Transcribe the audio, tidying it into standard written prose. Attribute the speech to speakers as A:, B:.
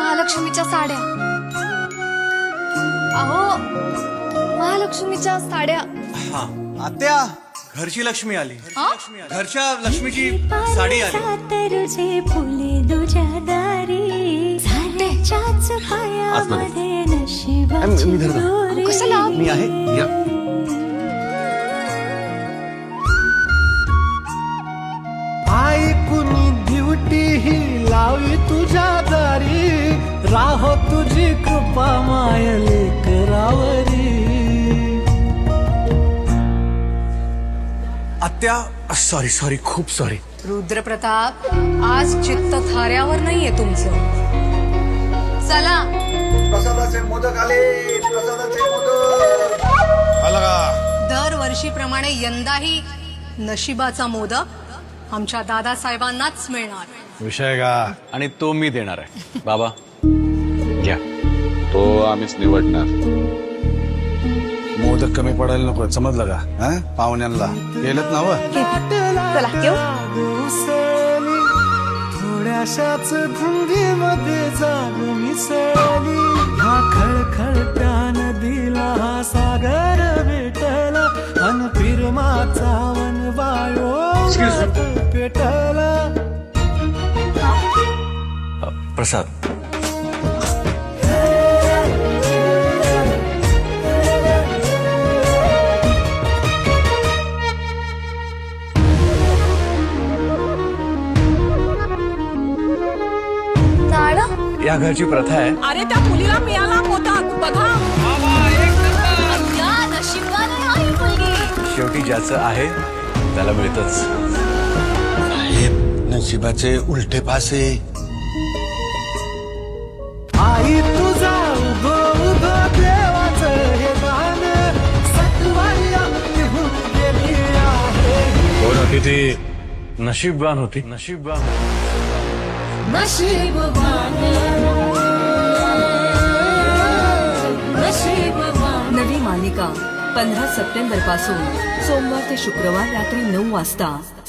A: महालक्ष्मीच्या साड्या. अहो महालक्ष्मीच्या साड्या.
B: हा आत्या, घरची लक्ष्मी आली. घरच्या लक्ष्मीची साडी आली.
C: तुझे फुले तुझ्या दारी झाल्याच्याच पायामध्ये नशिबाची दोरी.
A: कशाला?
B: मी आहे या.
D: ऐकुनी ड्युटी ही लावी तुझ्या दारी राहो तुझी कृपा मायले करावरी.
B: आत्या सॉरी खूप सॉरी.
E: रुद्रप्रताप, आज चित्त थाऱ्यावर नाहीये तुमचं. चला.
F: प्रसादाचे मोदक आले, प्रसादाचे मोदक आला का?
E: दरवर्षीप्रमाणे यंदाही नशिबाचा मोदक आमच्या दादासाहेबांनाच मिळणार.
G: विषय का?
H: आणि तो मी देणार आहे. बाबा घ्या.
I: तो आम्हीच निवडणार.
G: मोदक कमी पडायला नको, समजलं का? हा पाहुण्यांना गेलत ना व.
A: चला येऊ.
D: उसळली थोड्याशाच धुंदीमध्ये जाग मिसळली. ह्या खळखळत्या नदीला हा सागर भेटला अन फिरमाचा वन वायो पेटला.
B: प्रसाद.
A: साडा.
B: या घरची प्रथा आहे.
E: अरे त्या मुलीला मिळाला मोदक बघा.
A: नशिबाने हा ही मुलगी.
B: शेवटी ज्याचं आहे त्याला मिळतच.
G: नशिबाचे उलटे पासे.
D: आई तुझा उभो उभो देवाचं हे गाण सत्वाया निघून गेली आहे.
B: हो ना, किती नशीबवान होती. नशीबवान.
J: नवी मालिका 15 सप्टेंबर पासून सोमवार ते शुक्रवार रात्री 9 वाजता